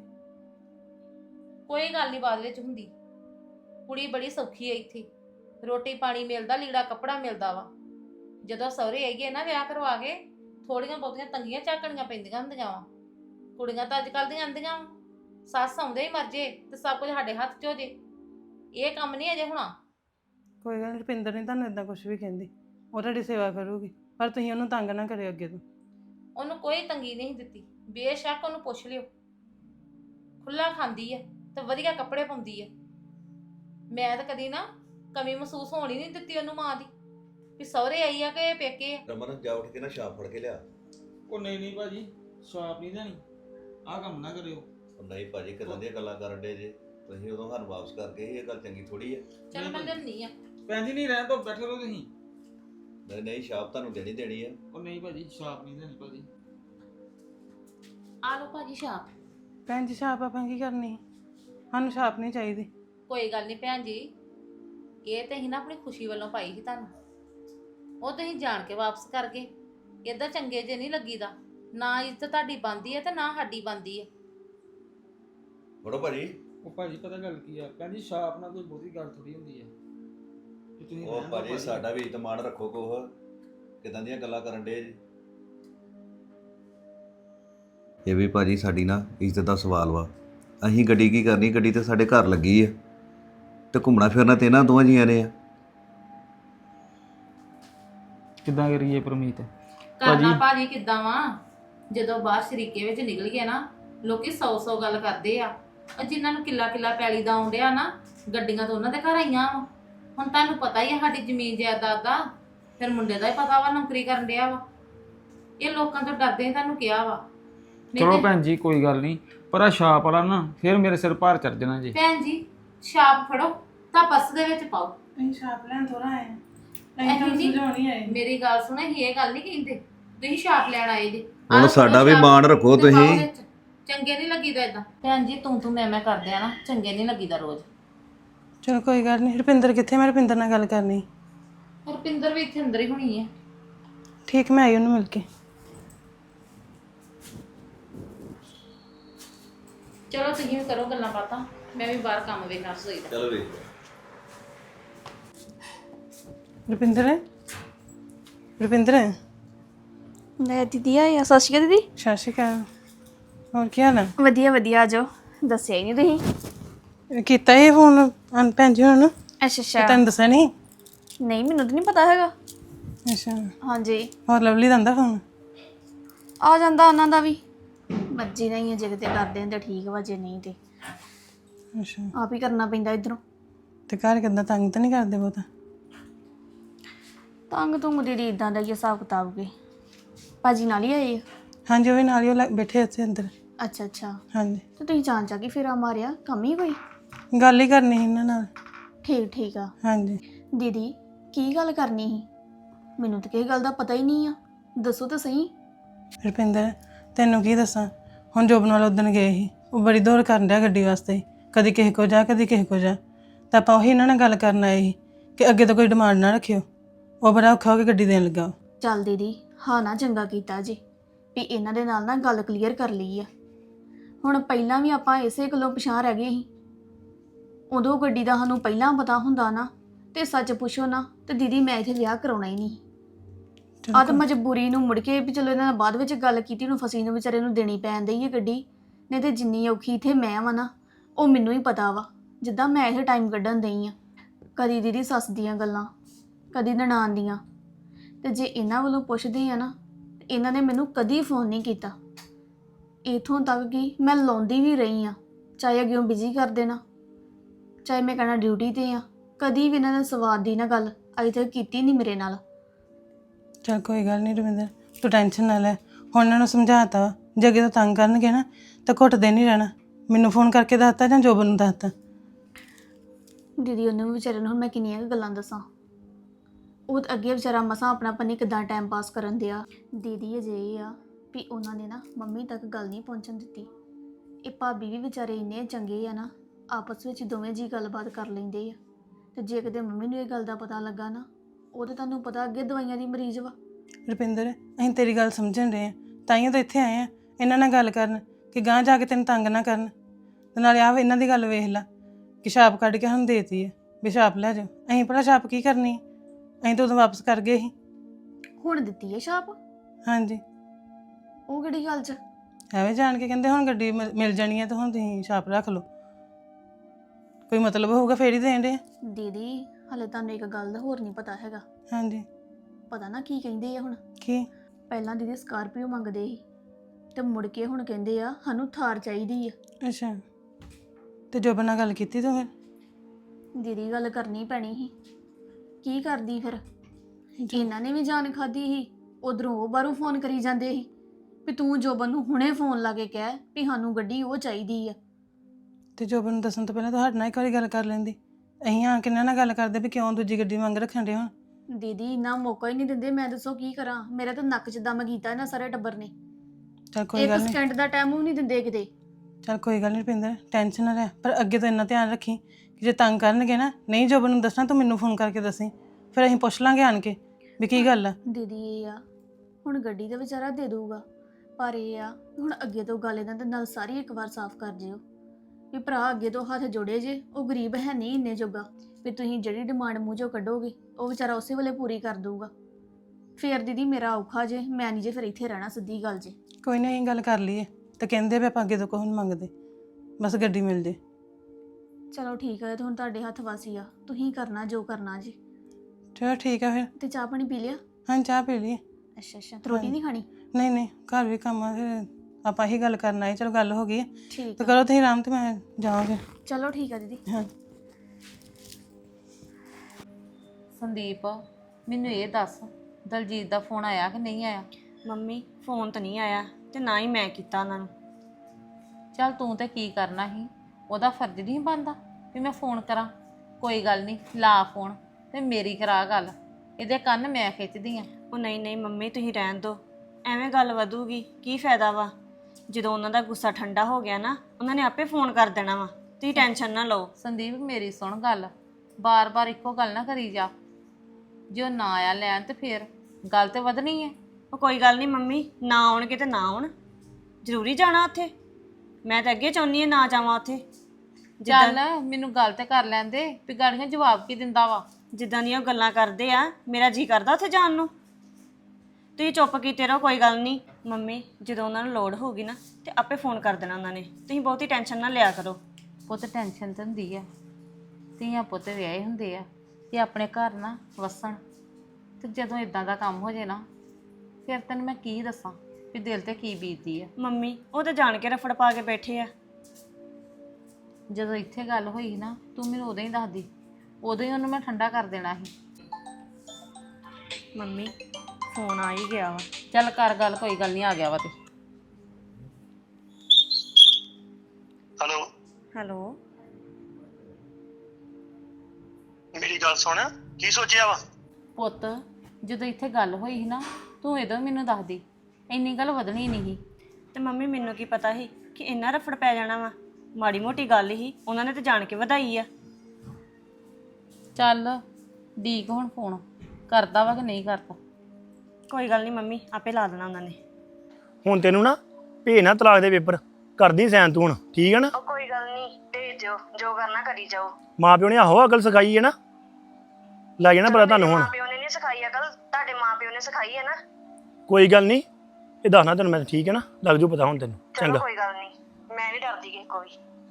Speaker 4: ਕੋਈ ਗੱਲ ਨਹੀਂ ਬਾਅਦ ਵਿੱਚ ਹੁੰਦੀ। ਕੁੜੀ ਬੜੀ ਸੌਖੀ ਹੈ ਇੱਥੇ, ਰੋਟੀ ਪਾਣੀ ਮਿਲਦਾ, ਲੀੜਾ ਕੱਪੜਾ ਮਿਲਦਾ ਵਾ। ਜਦੋਂ ਸਹੁਰੇ ਆਈਏ ਨਾ ਵਿਆਹ ਕਰਵਾ ਕੇ, ਥੋੜੀਆਂ ਬਹੁਤੀਆਂ ਤੰਗੀਆਂ ਝਾਕਣੀਆਂ ਪੈਂਦੀਆਂ ਹੁੰਦੀਆਂ ਵਾ। ਕੁੜੀਆਂ ਤਾਂ ਅੱਜ ਕੱਲ੍ਹ ਦੀਆਂ ਆਂਦੀਆਂ ਵਾ, ਸੱਸ ਆਉਂਦੇ ਹੀ ਮਰ ਜੇ ਤੇ ਸਭ ਕੁਝ ਸਾਡੇ ਹੱਥ 'ਚ ਹੋ ਜੇ। ਇਹ ਕੰਮ ਨਹੀਂ ਅਜੇ ਹੋਣਾ।
Speaker 1: ਕੋਈ ਗੱਲ ਨਹੀਂ, ਰੁਪਿੰਦਰ ਨਹੀਂ ਤੁਹਾਨੂੰ ਇਦਾਂ ਕੁਝ ਵੀ ਕਹਿੰਦੀ। ਉਹ ਤੁਹਾਡੀ ਸੇਵਾ ਕਰੂਗੀ, ਪਰ ਤੁਸੀਂ ਉਹਨੂੰ ਤੰਗ ਨਾ ਕਰਿਓ ਅੱਗੇ ਤੋਂ।
Speaker 4: ਉਹਨੂੰ ਕੋਈ ਤੰਗੀ ਨਹੀਂ ਦਿੱਤੀ, ਬੇਸ਼ੱਕ ਉਹਨੂੰ ਪੁੱਛ ਲਿਓ। ਖੁੱਲਾ ਖਾਂਦੀ ਹੈ ਤੇ ਵਧੀਆ ਕੱਪੜੇ ਪਾਉਂਦੀ ਹੈ। ਮੈਂ ਤਾਂ ਕਦੀ ਨਾ ਕਮੀ ਮਹਿਸੂਸ ਹੋਣ ਹੀ ਨਹੀਂ ਦਿੱਤੀ ਉਹਨੂੰ ਮਾਂ ਦੀ, ਵੀ ਸਹੁਰੇ ਆਈ ਆ ਕਿ ਪੇਕੇ ਆ।
Speaker 3: ਰਮਨ ਜਾ ਉੱਠ ਕੇ ਨਾ ਛਾਪ ਫੜ ਕੇ ਲਿਆ।
Speaker 2: ਉਹ ਨਹੀਂ ਨਹੀਂ ਭਾਜੀ, ਸ਼ਾਪ ਨਹੀਂ ਦੇਣੀ, ਆਹ ਕੰਮ ਨਾ ਕਰਿਓ।
Speaker 3: ਉਹ ਨਹੀਂ ਭਾਜੀ, ਕਿਦਾਂ ਦੀਆਂ ਗੱਲਾਂ ਕਰਨ ਡੇ ਜੇ ਤੁਸੀਂ? ਉਦੋਂ ਸਾਨੂੰ ਵਾਪਸ ਕਰ ਗਏ ਸੀ, ਇਹ ਗੱਲ ਚੰਗੀ ਥੋੜੀ ਆ।
Speaker 4: ਚਲ ਮੈਂ ਲਿਆਉਂਦੀ ਆ।
Speaker 2: ਭੈਣ ਜੀ ਨਹੀਂ ਰਹਿਣ ਤੋਂ ਬੈਠੇ ਰਹੋ ਤੁਸੀਂ।
Speaker 3: ਨਹੀਂ ਨਹੀਂ, ਛਾਪ ਤੁਹਾਨੂੰ ਦੇਣੀ ਆ।
Speaker 2: ਉਹ ਨਹੀਂ ਭਾਜੀ, ਸ਼ਾਪ ਨਹੀਂ ਦੇਣੀ ਭਾਜੀ।
Speaker 4: ਆ ਲਓ ਭਾਜੀ ਛਾਪ।
Speaker 1: ਭੈਣ ਜੀ, ਛਾਪ ਆਪਾਂ ਕੀ ਕਰਨੀ? ਸਾਨੂੰ ਛਾਪ ਨਹੀਂ ਚਾਹੀਦੀ।
Speaker 4: ਕੋਈ ਗੱਲ ਨਹੀਂ ਭੈਣ ਜੀ, ਇਹ ਤਾਂ ਅਸੀਂ ਨਾ ਆਪਣੀ ਖੁਸ਼ੀ ਵੱਲੋਂ ਪਾਈ ਸੀ ਤੁਹਾਨੂੰ, ਉਹ ਤੁਸੀਂ ਜਾਣ ਕੇ ਵਾਪਸ ਕਰ ਗਏ। ਇੱਦਾਂ ਚੰਗੇ ਜੇ ਨਹੀਂ ਲੱਗੀਦਾ। ਨਾ ਇੱਜ਼ਤ ਤੁਹਾਡੀ ਬਣਦੀ ਹੈ ਤੇ ਨਾ ਸਾਡੀ ਬਣਦੀ ਹੈ।
Speaker 3: ਫੜੋ ਭਾਜੀ।
Speaker 2: ਉਹ ਭਾਜੀ ਪਤਾ ਗੱਲ ਕੀ ਆ ਭੈਣ ਜੀ, ਸ਼ਾਪ ਨਾਲ ਕੋਈ ਬਹੁਤੀ ਗੱਲ ਥੋੜੀ ਹੁੰਦੀ ਆ।
Speaker 3: ਉਹ ਭਾਜੀ ਸਾਡਾ ਵੀ ਇਤਮਾਨ ਰੱਖੋ ਕੋਹ ਕਿਦਾਂ ਦੀਆਂ ਗੱਲਾਂ ਕਰਨ ਡੇ ਜੀ। ਇਹ ਵੀ ਭਾਜੀ ਸਾਡੀ ਨਾ ਇੱਜ਼ਤ ਦਾ ਸਵਾਲ ਵਾ। ਅਸੀਂ ਗੱਡੀ ਕੀ ਕਰਨੀ, ਗੱਡੀ ਤੇ ਸਾਡੇ ਘਰ ਲੱਗੀ ਆ ਤੇ ਘੁੰਮਣਾ ਫਿਰਨਾ ਤੇ ਇਹਨਾਂ ਦੋਵਾਂ ਜੀਆਂ ਨੇ ਆ।
Speaker 2: ਕਿੱਦਾਂ ਕਰੀਏ ਪਰਮੀਤ?
Speaker 4: ਕਰਨਾ ਭਾਜੀ ਕਿੱਦਾਂ ਵਾ, ਜਦੋਂ ਬਾਹਰ ਸ਼ਰੀਕੇ ਵਿੱਚ ਨਿਕਲ ਗਏ ਨਾ ਲੋਕੀ 100 ਗੱਲ ਕਰਦੇ ਆ। ਉਹ ਜਿਨ੍ਹਾਂ ਨੂੰ ਕਿੱਲਾ ਕਿੱਲਾ ਪੈਲੀ ਦਾ ਆਉਂਦਿਆ ਨਾ, ਗੱਡੀਆਂ ਤਾਂ ਉਹਨਾਂ ਦੇ ਘਰ ਆਈਆਂ ਵਾ। ਹੁਣ ਤੁਹਾਨੂੰ ਪਤਾ ਹੀ ਆ ਸਾਡੀ ਜ਼ਮੀਨ ਜਾਇਦਾਦ ਦਾ, ਫਿਰ ਮੁੰਡੇ ਦਾ ਹੀ ਪਤਾ ਵਾ ਨੌਕਰੀ ਕਰਨ ਡਿਆ ਵਾ। ਇਹ ਲੋਕਾਂ ਤੋਂ ਡਰਦੇ ਤੁਹਾਨੂੰ ਕਿਹਾ ਵਾ। ਨਹੀਂ
Speaker 2: ਚਲੋ
Speaker 4: ਤੇ-
Speaker 2: ਭੈਣ ਜੀ ਕੋਈ ਗੱਲ ਨਹੀਂ, ਪਰ ਆ ਛਾਪ ਵਾਲਾ ਨਾ ਫਿਰ ਮੇਰੇ ਸਿਰ ਭਾਰ ਚੜ ਜਾਣਾ ਜੀ।
Speaker 4: ਭੈਣ ਜੀ ਛਾਪ ਫੜੋ ਤਾਂ ਬੱਸ ਦੇ ਵਿੱਚ ਪਾਓ।
Speaker 1: ਅਸੀਂ ਛਾਪ ਲੈਣ ਥੋੜਾ ਆਏ ਹਾਂ,
Speaker 4: ਅਸੀਂ
Speaker 1: ਅਸੀਂ ਤਾਂ
Speaker 4: ਨਹੀਂ-
Speaker 1: ਸਮਝਾਉਣੀ ਆਏ।
Speaker 4: ਮੇਰੀ ਗੱਲ ਸੁਣੋ, ਅਸੀਂ ਇਹ ਗੱਲ ਨਹੀਂ ਕਹਿੰਦੇ ਤੁਸੀਂ ਛਾਪ ਲੈਣ ਆਏ ਜੀ।
Speaker 3: ਹੁਣ
Speaker 4: ਆਹ
Speaker 3: ਸਾਡਾ ਵੀ
Speaker 4: ਛਾਪ
Speaker 3: ਮਾਣ ਰੱਖੋ
Speaker 4: ਤੇ ਪਾਓ
Speaker 3: ਤੁਸੀਂ।
Speaker 4: ਵਿੱਚ। ਚੰਗੇ ਨਹੀਂ ਲੱਗੀਦਾ ਇਦਾਂ ਭੈਣ ਜੀ, ਤੂੰ ਮੈਂ ਕਰਦੇ ਆ ਨਾ, ਚੰਗੇ ਨਹੀਂ ਲੱਗੀਦਾ ਰੋਜ਼।
Speaker 1: ਚਲੋ ਕੋਈ ਗੱਲ ਨਹੀਂ। ਰੁਪਿੰਦਰ ਕਿੱਥੇ? ਮੈਂ ਰੁਪਿੰਦਰ ਨਾਲ ਗੱਲ ਕਰਨੀ।
Speaker 4: ਰੁਪਿੰਦਰ ਵੀ ਇੱਥੇ ਅੰਦਰ ਹੀ ਹੋਣੀ ਹੈ।
Speaker 1: ਠੀਕ, ਮੈਂ ਆਈ ਉਹਨੂੰ ਮਿਲ ਕੇ।
Speaker 4: ਚਲੋ ਤੁਸੀਂ ਵੀ ਕਰੋ ਗੱਲਾਂ ਬਾਤਾਂ, ਮੈਂ ਵੀ ਬਾਹਰ ਕੰਮ ਵੇਖਾਂ ਰਸੋਈ ਦਾ।
Speaker 3: ਚਲੋ ਵੇਖ
Speaker 1: ਰੁਪਿੰਦਰ ਰੁਪਿੰਦਰ
Speaker 5: ਲੈ ਦੀਦੀ ਆਇਆ। ਸਤਿ ਸ਼੍ਰੀ ਅਕਾਲ ਦੀਦੀ।
Speaker 1: ਸਤਿ ਸ਼੍ਰੀ ਅਕਾਲ। ਹੋਰ ਕੀ ਹਾਲ ਹੈ?
Speaker 5: ਵਧੀਆ ਵਧੀਆ, ਆ ਜਾਓ। ਦੱਸਿਆ ਹੀ ਨਹੀਂ ਤੁਸੀਂ।
Speaker 1: ਕੀਤਾ ਇਹ ਫੋਨ ਭੈਣ ਜੀ ਹੁਣ?
Speaker 5: ਅੱਛਾ ਅੱਛਾ।
Speaker 1: ਤੈਨੂੰ ਦੱਸਿਆ ਨਹੀਂ?
Speaker 5: ਨਹੀਂ ਮੈਨੂੰ ਤਾਂ ਨਹੀਂ ਪਤਾ ਹੈਗਾ।
Speaker 1: ਅੱਛਾ।
Speaker 5: ਹਾਂਜੀ
Speaker 1: ਹੋਰ ਲਵਲੀ ਦਾ ਆਂਦਾ ਫੋਨ?
Speaker 5: ਆ ਜਾਂਦਾ ਉਹਨਾਂ ਦਾ ਵੀ, ਮਰਜ਼ੀ ਨਹੀਂ ਹੈ। ਜੇ ਕਿਤੇ ਕਰਦੇ ਨੇ ਤਾਂ ਠੀਕ ਵਾ, ਜੇ ਨਹੀਂ ਤੇ
Speaker 1: ਅੱਛਾ।
Speaker 5: ਆਪ ਹੀ ਕਰਨਾ ਪੈਂਦਾ ਇਧਰੋਂ।
Speaker 1: ਤੇ ਘਰ ਕਿੱਦਾਂ ਤੰਗ ਤਾਂ ਨਹੀਂ ਕਰਦੇ ਬਹੁਤਾ?
Speaker 5: ਤੰਗ ਤੂੰ ਦੀਦੀ ਇਦਾਂ ਦਾ ਹੀ ਹਿਸਾਬ ਕਿਤਾਬ ਕੇ। ਭਾਜੀ ਨਾਲ ਹੀ ਆਏ ਆ?
Speaker 1: ਹਾਂਜੀ, ਉਹ ਵੀ ਨਾਲ ਹੀ ਬੈਠੇ ਇੱਥੇ ਅੰਦਰ।
Speaker 5: ਅੱਛਾ ਅੱਛਾ।
Speaker 1: ਹਾਂਜੀ,
Speaker 5: ਤੇ ਤੁਸੀਂ ਜਾਣ ਚਾ ਕੇ ਫੇਰਾ ਮਾਰਿਆ, ਕੰਮ ਹੀ ਕੋਈ?
Speaker 1: ਗੱਲ ਹੀ ਕਰਨੀ ਸੀ ਇਹਨਾਂ ਨਾਲ।
Speaker 5: ਠੀਕ ਠੀਕ ਆ।
Speaker 1: ਹਾਂਜੀ।
Speaker 5: ਦੀਦੀ ਕੀ ਗੱਲ ਕਰਨੀ ਸੀ? ਮੈਨੂੰ ਤਾਂ ਕਿਸੇ ਗੱਲ ਦਾ ਪਤਾ ਹੀ ਨਹੀਂ ਆ, ਦੱਸੋ ਤਾਂ ਸਹੀ।
Speaker 1: ਰੁਪਿੰਦਰ ਤੈਨੂੰ ਕੀ ਦੱਸਾਂ, ਹੁਣ ਜੋਬਨ ਵਾਲਾ ਉਦਣ ਗਏ ਸੀ, ਉਹ ਬੜੀ ਦੌੜ ਕਰਨ ਡਿਆ ਗੱਡੀ ਵਾਸਤੇ, ਕਦੀ ਕਿਸੇ ਕੋ ਜਾ ਕਦੀ ਕਿਸੇ ਕੋ ਜਾ। ਤਾਂ ਆਪਾਂ ਉਹੀ ਇਹਨਾਂ ਨਾਲ ਗੱਲ ਕਰਨ ਆਏ ਸੀ ਕਿ ਅੱਗੇ ਤੋਂ ਕੋਈ ਡਿਮਾਂਡ ਨਾ ਰੱਖਿਓ। ਉਹ ਬੜਾ ਔਖਾ ਹੋ ਕੇ ਗੱਡੀ ਦੇਣ ਲੱਗਾ।
Speaker 5: ਚੱਲ ਦੀਦੀ ਹਾਂ ਨਾ, ਚੰਗਾ ਕੀਤਾ ਜੀ ਵੀ ਇਹਨਾਂ ਦੇ ਨਾਲ ਨਾ ਗੱਲ ਕਲੀਅਰ ਕਰ ਲਈ ਆ। ਹੁਣ ਪਹਿਲਾਂ ਵੀ ਆਪਾਂ ਇਸੇ ਗੱਲੋਂ ਪਛਾਣ ਰਹਿ ਗਏ ਸੀ। ਉਦੋਂ ਗੱਡੀ ਦਾ ਸਾਨੂੰ ਪਹਿਲਾਂ ਪਤਾ ਹੁੰਦਾ ਨਾ, ਤੇ ਸੱਚ ਪੁੱਛੋ ਨਾ ਤੇ ਦੀਦੀ ਮੈਂ ਇੱਥੇ ਵਿਆਹ ਕਰਾਉਣਾ ਹੀ ਨਹੀਂ। ਆ ਤਾਂ ਮਜਬੂਰੀ ਨੂੰ ਮੁੜ ਕੇ ਵੀ ਚਲੋ ਇਹਨਾਂ ਨਾਲ ਬਾਅਦ ਵਿੱਚ ਗੱਲ ਕੀਤੀ, ਨੂੰ ਫਸੀ ਨੂੰ ਵਿਚਾਰੇ ਨੂੰ ਦੇਣੀ ਪੈਣ ਡਈ ਹੈ ਗੱਡੀ। ਨਹੀਂ ਤੇ ਜਿੰਨੀ ਔਖੀ ਇੱਥੇ ਮੈਂ ਵਾ ਨਾ, ਉਹ ਮੈਨੂੰ ਹੀ ਪਤਾ ਵਾ ਜਿੱਦਾਂ ਮੈਂ ਇੱਥੇ ਟਾਈਮ ਕੱਢਣ ਦਈ ਆ। ਕਦੀ ਦੀਦੀ ਸੱਸ ਦੀਆਂ ਗੱਲਾਂ, ਕਦੀ ਨਨਾਣ ਦੀਆਂ। ਤੇ ਜੇ ਇਹਨਾਂ ਵੱਲੋਂ ਪੁੱਛਦੇ ਆ ਨਾ, ਇਹਨਾਂ ਨੇ ਮੈਨੂੰ ਕਦੀ ਫੋਨ ਨਹੀਂ ਕੀਤਾ। ਇਥੋਂ ਤੱਕ ਕਿ ਮੈਂ ਲਾਉਂਦੀ ਵੀ ਰਹੀ ਆ, ਚਾਹੇ ਅੱਗੇ ਬਿਜ਼ੀ ਕਰ ਦੇਣਾ, ਚਾਹੇ ਮੈਂ ਕਹਿਣਾ ਡਿਊਟੀ ਤੇ ਆ, ਕਦੀ ਵੀ ਇਹਨਾਂ ਨੇ ਸਵਾਦ ਦੀ ਨਾ ਗੱਲ ਅਜੇ ਤੱਕ ਕੀਤੀ ਨਹੀਂ ਮੇਰੇ ਨਾਲ।
Speaker 1: ਚੱਲ ਕੋਈ ਗੱਲ ਨਹੀਂ ਰਵਿੰਦਰ, ਤੂੰ ਟੈਨਸ਼ਨ ਨਾ ਲੈ। ਹੁਣ ਇਹਨਾਂ ਨੂੰ ਸਮਝਾਤਾ ਵਾ, ਜੇ ਅੱਗੇ ਤੋਂ ਤੰਗ ਕਰਨਗੇ ਨਾ ਤਾਂ ਘੁੱਟਦੇ ਨਹੀਂ ਰਹਿਣਾ। ਮੈਨੂੰ ਫੋਨ ਕਰਕੇ ਦੱਸਤਾ ਜਾਂ ਜੋਬਨ ਨੂੰ ਦੱਸਤਾ?
Speaker 5: ਦੀਦੀ ਉਹਨੂੰ ਵਿਚਾਰੇ ਨੂੰ ਹੁਣ ਮੈਂ ਕਿੰਨੀਆਂ ਕੁ ਗੱਲਾਂ ਦੱਸਾਂ। ਉਹ ਤਾਂ ਅੱਗੇ ਵਿਚਾਰਾ ਮਸਾਂ ਆਪਣਾ ਪੰਨੀ ਕਿੱਦਾਂ ਟਾਈਮ ਪਾਸ ਕਰਨ ਦਿਆ। ਦੀਦੀ ਅਜੇ ਇਹ ਆ ਵੀ ਉਹਨਾਂ ਨੇ ਨਾ ਮੰਮੀ ਤੱਕ ਗੱਲ ਨਹੀਂ ਪਹੁੰਚਣ ਦਿੱਤੀ। ਇਹ ਭਾਬੀ ਵੀ ਵਿਚਾਰੇ ਇੰਨੇ ਚੰਗੇ ਆ ਨਾ, ਆਪਸ ਵਿੱਚ ਦੋਵੇਂ ਜੀ ਗੱਲਬਾਤ ਕਰ ਲੈਂਦੇ ਆ। ਤੇ ਜੇ ਕਿਤੇ ਮੰਮੀ ਨੂੰ ਇਹ ਗੱਲ ਦਾ ਪਤਾ ਲੱਗਾ ਨਾ, ਉਹ ਤਾਂ ਤੁਹਾਨੂੰ ਪਤਾ ਅੱਗੇ ਦਵਾਈਆਂ ਦੀ ਮਰੀਜ਼ ਵਾ।
Speaker 1: ਰੁਪਿੰਦਰ ਅਸੀਂ ਤੇਰੀ ਗੱਲ ਸਮਝਣ ਰਹੇ ਹਾਂ, ਤਾਈਓ ਤਾਂ ਇੱਥੇ ਆਏ ਆ ਇਹਨਾਂ ਨਾਲ ਗੱਲ ਕਰਨ ਕਿ ਗਾਂਹ ਜਾ ਕੇ ਤੈਨੂੰ ਤੰਗ ਨਾ ਕਰਨ। ਤੇ ਨਾਲੇ ਆਹ ਇਹਨਾਂ ਦੀ ਗੱਲ ਵੇਖ ਲਾ ਕਿ ਛਾਪ ਕੱਢ ਕੇ ਸਾਨੂੰ ਦੇਤੀ ਹੈ ਵੀ ਛਾਪ ਲੈ ਜਾਓ। ਅਸੀਂ ਭਲਾ ਛਾਪ ਕੀ ਕਰਨੀ? ਅਸੀਂ ਤਾਂ ਉਦੋਂ ਵਾਪਸ ਕਰ ਗਏ ਸੀ।
Speaker 5: ਹੁਣ ਦਿੱਤੀ ਹੈ ਛਾਪ?
Speaker 1: ਹਾਂਜੀ,
Speaker 5: ਉਹ ਕਿਹੜੀ ਗੱਲ 'ਚ?
Speaker 1: ਐਵੇਂ ਜਾਣ ਕੇ ਕਹਿੰਦੇ ਹੁਣ ਗੱਡੀ ਮਿਲ ਜਾਣੀ ਹੈ ਤਾਂ ਹੁਣ ਤੁਸੀਂ ਛਾਪ ਰੱਖ ਲਓ। ਕੋਈ ਮਤਲਬ ਹੋਊਗਾ ਫੇਰ ਹੀ ਦੇਣ ਦੇ।
Speaker 5: ਦੀਦੀ ਹਲੇ ਤੁਹਾਨੂੰ ਇੱਕ ਗੱਲ ਦਾ ਹੋਰ ਨਹੀਂ ਪਤਾ ਹੈਗਾ।
Speaker 1: ਹਾਂਜੀ।
Speaker 5: ਪਤਾ ਨਾ ਕੀ ਕਹਿੰਦੇ ਆ ਹੁਣ?
Speaker 1: ਕੀ?
Speaker 5: ਪਹਿਲਾਂ ਦੀਦੀ ਸਕਾਰਪੀਓ ਮੰਗਦੇ ਸੀ, ਤੇ ਮੁੜ ਕੇ ਹੁਣ ਕਹਿੰਦੇ ਆ ਸਾਨੂੰ ਥਾਰ ਚਾਹੀਦੀ ਆ।
Speaker 1: ਅੱਛਾ, ਤੇ ਜੋਬਨ ਨਾਲ ਗੱਲ ਕੀਤੀ ਤੂੰ ਫਿਰ?
Speaker 5: ਦੀਦੀ ਗੱਲ ਕਰਨੀ ਪੈਣੀ ਸੀ, ਕੀ ਕਰਦੀ ਫਿਰ? ਇਹਨਾਂ ਨੇ ਵੀ ਜਾਨ ਖਾਦੀ ਸੀ, ਉਧਰੋਂ ਉਹ ਬਾਹਰੋਂ ਫੋਨ ਕਰੀ ਜਾਂਦੇ ਸੀ ਵੀ ਤੂੰ ਜੋਬਨ ਨੂੰ ਹੁਣੇ ਫੋਨ ਲਾ ਕੇ ਕਹਿ ਵੀ ਸਾਨੂੰ ਗੱਡੀ ਉਹ ਚਾਹੀਦੀ ਆ।
Speaker 1: ਤੇ ਜੋਬਨ ਨੂੰ ਦੱਸਣ ਤੋਂ ਪਹਿਲਾਂ ਤੁਹਾਡੇ ਨਾਲ ਇੱਕ ਵਾਰੀ ਗੱਲ ਕਰ ਲੈਂਦੀ। ਅਸੀਂ ਆ ਕਿੰਨਾ ਨਾਲ ਗੱਲ ਕਰਦੇ ਵੀ ਕਿਉਂ ਦੂਜੀ ਗੱਡੀ ਮੰਗ ਰੱਖਣ ਦੇ ਹੁਣ।
Speaker 5: ਦੀਦੀ ਇੰਨਾ ਮੌਕਾ ਹੀ ਨਹੀਂ ਦਿੰਦੇ, ਮੈਂ ਦੱਸੋ ਕੀ ਕਰਾਂ? ਮੇਰੇ ਤਾਂ ਨੱਕ 'ਚ ਦਮ ਕੀਤਾ ਇਹਨਾਂ ਸਾਰੇ ਟੱਬਰ ਨੇ।
Speaker 1: ਚੱਲ ਕੋਈ
Speaker 5: ਇੱਕ
Speaker 1: ਗੱਲ ਨਹੀਂ।
Speaker 5: ਸਕਿੰਟ ਦਾ ਟਾਈਮ ਵੀ ਨਹੀਂ ਦਿੰਦੇ ਕਿਤੇ।
Speaker 1: ਚੱਲ ਕੋਈ ਗੱਲ ਨਹੀਂ ਰੁਪਿੰਦਰ, ਟੈਨਸ਼ਨ ਨਾ ਲੈ। ਪਰ ਅੱਗੇ ਤੋਂ ਇੰਨਾ ਧਿਆਨ ਰੱਖੀ ਕਿ ਜੇ ਤੰਗ ਕਰਨਗੇ ਨਾ, ਨਹੀਂ ਜੋਬਨ ਨੂੰ ਦੱਸਣਾ, ਤੂੰ ਮੈਨੂੰ ਫੋਨ ਕਰਕੇ ਦੱਸੀ, ਫਿਰ ਅਸੀਂ ਪੁੱਛ ਲਾਂਗੇ ਆਣ ਕੇ ਵੀ ਕੀ ਗੱਲ ਆ।
Speaker 5: ਦੀਦੀ ਇਹ ਆ ਹੁਣ ਗੱਡੀ ਦਾ ਵਿਚਾਰਾ ਦੇ ਦੂਗਾ, ਪਰ ਇਹ ਆ ਹੁਣ ਅੱਗੇ ਤੋਂ ਗੱਲ ਇਹਨਾਂ ਦੇ ਨਾਲ ਸਾਰੀ ਇੱਕ ਵਾਰ ਸਾਫ਼ ਕਰ ਜਿਓ ਵੀ ਭਰਾ ਅੱਗੇ ਤੋਂ ਹੱਥ ਜੋੜੇ ਜੇ, ਉਹ ਗਰੀਬ ਹੈ ਨਹੀਂ ਇੰਨੇ ਜੋਗਾ ਵੀ ਤੁਸੀਂ ਜਿਹੜੀ ਡਿਮਾਂਡ ਮੂੰਹ ਚੋਂ ਕੱਢੋਗੇ ਉਹ ਵਿਚਾਰਾ ਉਸੇ ਵੇਲੇ ਪੂਰੀ ਕਰ ਦਊਗਾ। ਫੇਰ ਦੀਦੀ ਮੇਰਾ ਔਖਾ ਜੇ, ਮੈਂ ਨਹੀਂ ਜੇ ਫਿਰ ਇੱਥੇ ਰਹਿਣਾ, ਸਿੱਧੀ ਗੱਲ ਜੇ।
Speaker 1: ਕੋਈ ਨਹੀਂ ਗੱਲ ਕਰ ਲਈਏ ਤੇ ਕਹਿੰਦੇ ਵੀ ਆਪਾਂ ਅੱਗੇ ਤੋਂ ਕੋਈ ਮੰਗਦੇ, ਬਸ ਗੱਡੀ ਮਿਲ ਜੇ।
Speaker 5: ਚਲੋ ਠੀਕ ਹੈ, ਤੇ ਹੁਣ ਤੁਹਾਡੇ ਹੱਥ ਵਾਸੀ ਆ, ਤੁਸੀਂ ਕਰਨਾ ਜੋ ਕਰਨਾ ਜੀ।
Speaker 1: ਚਲੋ ਠੀਕ ਆ ਫਿਰ।
Speaker 5: ਤੇ ਚਾਹ ਪਾਣੀ ਪੀ ਲਿਆ?
Speaker 1: ਹਾਂ ਚਾਹ ਪੀ ਲਈਏ।
Speaker 5: ਅੱਛਾ ਅੱਛਾ, ਤੇ ਰੋਟੀ ਨਹੀਂ ਖਾਣੀ?
Speaker 1: ਨਹੀਂ ਨਹੀਂ, ਘਰ ਵੀ ਕੰਮ ਆ, ਫਿਰ ਆਪਾਂ ਇਹੀ ਗੱਲ ਕਰਨ ਆਏ। ਚਲੋ ਗੱਲ ਹੋ ਗਈ ਹੈ
Speaker 5: ਠੀਕ
Speaker 1: ਤੇ
Speaker 5: ਆ।
Speaker 1: ਕਰੋ ਤੁਸੀਂ ਆਰਾਮ, ਤੇ ਮੈਂ ਜਾਵਾਂ ਫਿਰ।
Speaker 5: ਚਲੋ ਠੀਕ ਆ ਦੀਦੀ।
Speaker 1: ਹਾਂ
Speaker 4: ਸੰਦੀਪ ਮੈਨੂੰ ਇਹ ਦੱਸ, ਦਲਜੀਤ ਦਾ ਫੋਨ ਆਇਆ ਕਿ ਨਹੀਂ ਆਇਆ?
Speaker 6: ਮੰਮੀ ਫੋਨ ਤਾਂ ਨਹੀਂ ਆਇਆ ਤੇ ਨਾ ਹੀ ਮੈਂ ਕੀਤਾ ਉਹਨਾਂ ਨੂੰ।
Speaker 4: ਚੱਲ ਤੂੰ ਤੇ ਕੀ ਕਰਨਾ ਸੀ, ਉਹਦਾ ਫਰਜ਼ ਨਹੀਂ ਬਣਦਾ ਵੀ ਮੈਂ ਫੋਨ ਕਰਾਂ? ਕੋਈ ਗੱਲ ਨਹੀਂ, ਲਾ ਫੋਨ ਤੇ ਮੇਰੀ ਕਰਾ ਗੱਲ, ਇਹਦੇ ਕੰਨ ਮੈਂ ਖਿੱਚਦੀ ਆ।
Speaker 6: ਉਹ ਨਹੀਂ ਨਹੀਂ ਮੰਮੀ ਤੁਸੀਂ ਰਹਿਣ ਦਿਓ, ਐਵੇਂ ਗੱਲ ਵਧੂਗੀ, ਕੀ ਫਾਇਦਾ ਵਾ? ਜਦੋਂ ਉਹਨਾਂ ਦਾ ਗੁੱਸਾ ਠੰਡਾ ਹੋ ਗਿਆ ਨਾ, ਉਹਨਾਂ ਨੇ ਆਪੇ ਫੋਨ ਕਰ ਦੇਣਾ ਵਾ, ਤੁਸੀਂ ਟੈਨਸ਼ਨ ਨਾ ਲਓ।
Speaker 4: ਸੰਦੀਪ ਮੇਰੀ ਸੁਣ ਗੱਲ, ਬਾਰ-ਬਾਰ ਇੱਕੋ ਗੱਲ ਨਾ ਕਰੀ ਜਾ। ਜੇ ਉਹ ਨਾ ਆਇਆ ਲੈਣ ਤੇ ਫੇਰ ਗੱਲ ਤੇ ਵਧਣੀ ਹੈ।
Speaker 6: ਉਹ ਕੋਈ ਗੱਲ ਨਹੀਂ ਮੰਮੀ, ਨਾ ਆਉਣਗੇ ਤੇ ਨਾ ਆਉਣ, ਜ਼ਰੂਰੀ ਜਾਣਾ ਉੱਥੇ? ਮੈਂ ਤਾਂ ਅੱਗੇ ਚਾਹੁੰਦੀ ਹਾਂ ਨਾ ਜਾਵਾਂ ਉੱਥੇ।
Speaker 4: ਚੱਲ ਮੈਨੂੰ ਗੱਲ ਤੇ ਕਰ ਲੈਂਦੇ ਵੀ ਗਾੜੀਆਂ ਜਵਾਬ ਕੀ ਦਿੰਦਾ ਵਾ।
Speaker 6: ਜਿੱਦਾਂ ਦੀਆਂ ਉਹ ਗੱਲਾਂ ਕਰਦੇ ਆ, ਮੇਰਾ ਜੀ ਕਰਦਾ ਉੱਥੇ ਜਾਣ ਨੂੰ। ਤੁਸੀਂ ਚੁੱਪ ਕੀਤੇ ਰਹੋ, ਕੋਈ ਗੱਲ ਨਹੀਂ ਮੰਮੀ, ਜਦੋਂ ਉਹਨਾਂ ਨੂੰ ਲੋੜ ਹੋਊਗੀ ਨਾ ਤੇ ਆਪੇ ਫੋਨ ਕਰ ਦੇਣਾ ਉਹਨਾਂ ਨੇ, ਤੁਸੀਂ ਬਹੁਤੀ ਟੈਨਸ਼ਨ ਨਾ ਲਿਆ ਕਰੋ।
Speaker 4: ਪੁੱਤ ਟੈਨਸ਼ਨ ਤਾਂ ਹੁੰਦੀ ਆ, ਧੀਆਂ ਪੁੱਤ ਵਿਆਹੇ ਹੁੰਦੇ ਆ ਤੇ ਆਪਣੇ ਘਰ ਨਾ ਵਸਣ, ਤੇ ਜਦੋਂ ਇਦਾਂ ਦਾ ਕੰਮ ਹੋ ਜੇ ਨਾ, ਫਿਰ ਤੈਨੂੰ ਮੈਂ ਕੀ ਦੱਸਾਂ ਵੀ ਦਿਲ ਤੇ ਕੀ ਬੀਤਦੀ ਆ।
Speaker 6: ਮੰਮੀ ਉਹ ਤਾਂ ਜਾਣ ਕੇ ਰਫੜ ਪਾ ਕੇ ਬੈਠੇ ਆ।
Speaker 4: ਜਦੋਂ ਇੱਥੇ ਗੱਲ ਹੋਈ ਨਾ, ਤੂੰ ਮੈਨੂੰ ਉਦੋਂ ਹੀ ਦੱਸਦੀ, ਉਦੋਂ ਹੀ ਉਹਨੂੰ ਮੈਂ ਠੰਡਾ ਕਰ ਦੇਣਾ ਸੀ।
Speaker 6: ਮੰਮੀ ਫੋਨ ਆ ਹੀ ਗਿਆ ਵਾ।
Speaker 4: ਚੱਲ ਕਰ ਗੱਲ, ਕੋਈ ਗੱਲ ਨਹੀਂ, ਆ ਗਿਆ ਵਾ ਤੇ।
Speaker 7: ਹੈਲੋ
Speaker 6: ਹੈਲੋ
Speaker 7: ਮੇਰੀ ਗੱਲ ਸੁਣ, ਕੀ ਸੋਚਿਆ ਵਾ?
Speaker 4: ਪੁੱਤ ਜਦੋਂ ਇੱਥੇ ਗੱਲ ਹੋਈ ਸੀ ਨਾ, ਤੂੰ ਉਦੋਂ ਮੈਨੂੰ ਦੱਸਦੀ, ਇੰਨੀ ਗੱਲ ਵਧਣੀ ਨਹੀਂ ਸੀ।
Speaker 6: ਤੇ ਮੰਮੀ ਮੈਨੂੰ ਕੀ ਪਤਾ ਸੀ ਕਿ ਇੰਨਾ ਰਫੜ ਪੈ ਜਾਣਾ ਵਾ? ਮਾੜੀ ਮੋਟੀ ਗੱਲ ਹੀ, ਉਹਨਾਂ ਨੇ ਤਾਂ ਜਾਣ ਕੇ ਵਧਾਈ ਆ।
Speaker 4: ਚੱਲ ਡੀਕ ਹੁਣ ਫੋਨ ਕਰਦਾ ਵਾ ਕਿ ਨਹੀਂ ਕਰਦਾ।
Speaker 6: ਕੋਈ ਗੱਲ ਨਹੀਂ ਮੰਮੀ, ਆਪੇ ਲਾ ਦੇਣਾ ਉਹਨਾਂ ਨੇ।
Speaker 8: ਹੁਣ ਤੈਨੂੰ ਨਾ ਭੇਜ ਨਾ ਤਲਾਕ ਦੇ ਪੇਪਰ ਕਰਦੀ ਸੈਨ ਤੂੰ ਹੁਣ, ਠੀਕ ਹੈ ਨਾ?
Speaker 6: ਉਹ ਕੋਈ ਗੱਲ ਨਹੀਂ, ਭੇਜ ਦਿਓ, ਜੋ ਕਰਨਾ ਕਰੀ ਜਾਓ।
Speaker 8: ਮਾਂ ਪਿਓ ਨੇ ਆਹੋ ਅਕਲ ਸਿਖਾਈ ਹੈ ਨਾ, ਲੱਗ ਜਾਣਾ ਪਤਾ ਤੁਹਾਨੂੰ ਹੁਣ।
Speaker 6: ਮਾਪਿਓ ਨੇ ਨਹੀਂ ਸਿਖਾਈ ਅਕਲ, ਤੁਹਾਡੇ ਮਾਪਿਓ ਨੇ ਸਿਖਾਈ ਹੈ ਨਾ।
Speaker 8: ਕੋਈ ਗੱਲ ਨਹੀਂ, ਇਹ ਦੱਸਣਾ ਤੈਨੂੰ ਮੈਂ, ਠੀਕ ਹੈ ਨਾ? ਲੱਗ ਜੂ ਪਤਾ ਹੁਣ ਤੈਨੂੰ। ਚੰਗਾ,
Speaker 6: ਕੋਈ ਗੱਲ ਨਹੀਂ, ਮੈਂ ਨਹੀਂ ਡਰਦੀ ਕਿਸੇ ਕੋਈ।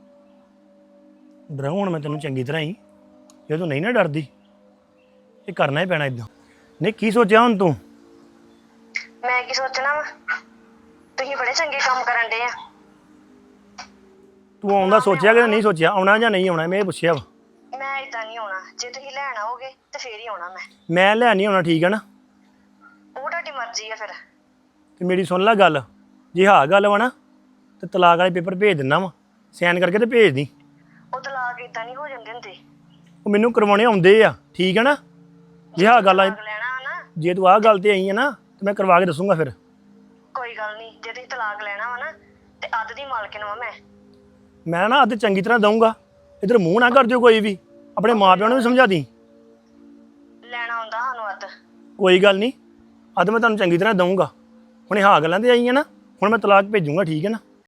Speaker 8: ਡਰਾਉ ਹੁਣ ਮੈਂ ਤੈਨੂੰ ਚੰਗੀ ਤਰ੍ਹਾਂ ਹੀ, ਜੇ ਤੂੰ ਨਹੀਂ ਨਾ ਡਰਦੀ ਇਹ ਕਰਨਾ ਹੀ ਪੈਣਾ ਇਦਾਂ। ਨਹੀਂ ਕੀ ਸੋਚਿਆ ਹੁਣ ਤੂੰ?
Speaker 6: ਮੈਂ ਕੀ ਸੋਚਣਾ ਵਾ, ਤੁਸੀਂ ਬੜੇ ਚੰਗੇ ਕੰਮ ਕਰਨ ਡੇ ਆ।
Speaker 8: ਤੂੰ ਆਉਂਦਾ ਸੋਚਿਆ ਕਿ ਨਹੀਂ ਸੋਚਿਆ, ਆਉਣਾ ਜਾਂ ਨਹੀਂ ਆਉਣਾ, ਮੈਂ ਇਹ ਪੁੱਛਿਆ ਵਾ।
Speaker 6: ਮੈਂ ਇਦਾਂ ਨਹੀਂ ਆਉਣਾ, ਜੇ ਤੁਸੀਂ ਲੈਣ ਆਓਗੇ ਤੇ ਫੇਰ ਹੀ ਆਉਣਾ
Speaker 8: ਮੈਂ ਲੈ ਨਹੀਂ ਆਉਣਾ, ਠੀਕ ਹੈ ਨਾ?
Speaker 6: ਉਹ ਤੁਹਾਡੀ ਮਰਜ਼ੀ ਆ ਫਿਰ।
Speaker 8: ਤੇ ਮੇਰੀ ਸੁਣ ਲੈ ਗੱਲ, ਜੇ ਹਾਂ ਗੱਲ ਵਾ ਨਾ ਤੇ ਤਲਾਕ ਵਾਲੇ ਪੇਪਰ ਭੇਜ ਦਿੰਦਾ ਵਾ, ਸਾਈਨ ਕਰਕੇ ਤੇ ਭੇਜ ਦੀ।
Speaker 6: ਉਹ ਤਲਾਕ ਇਦਾਂ ਨਹੀਂ ਹੋ ਜਾਂਦੇ ਹੁੰਦੇ।
Speaker 8: ਉਹ ਮੈਨੂੰ ਕਰਵਾਉਣੇ ਆਉਂਦੇ ਆ, ਠੀਕ ਹੈ ਨਾ? ਜੇ ਹਾਂ ਗੱਲ ਆ,
Speaker 6: ਲੈਣਾ ਨਾ,
Speaker 8: ਜੇ ਤੂੰ ਆਹ ਗੱਲ ਤੇ ਆਈ ਹੈ ਨਾ ਤੇ ਮੈਂ ਕਰਵਾ ਕੇ ਦੱਸੂਗਾ ਫਿਰ।
Speaker 6: ਕੋਈ ਗੱਲ ਨਹੀਂ, ਜੇ ਤੁਸੀਂ ਤਲਾਕ ਲੈਣਾ ਵਾ ਨਾ ਤੇ ਅੱਧ ਦੀ ਮਾਲਕਿਨ ਵਾ
Speaker 8: ਮੈਂ ਨਾ ਅੱਧ ਚੰਗੀ ਤਰ੍ਹਾਂ ਦਊਂਗਾ, ਇੱਧਰ ਮੂੰਹ ਨਾ ਕਰ ਦਿਓ ਕੋਈ ਵੀ, ਆਪਣੇ ਮਾਪਿਆਂ ਨੂੰ ਵੀ ਸਮਝਾ ਦੀ।
Speaker 6: ਲੈਣਾ ਆਉਂਦਾ ਸਾਨੂੰ ਅੱਧ।
Speaker 8: ਕੋਈ ਗੱਲ ਨਹੀਂ, ਅੱਧ ਮੈਂ ਤੁਹਾਨੂੰ ਚੰਗੀ ਤਰ੍ਹਾਂ ਦਊਂਗਾ। ਹੁਣ ਇਹ ਹਾਂ ਗੱਲਾਂ ਤੇ ਆਈ ਹੈ ਨਾ, ਹੁਣ ਮੈਂ ਤਲਾਕ ਭੇਜੂਗਾ, ਠੀਕ ਹੈ ਨਾ?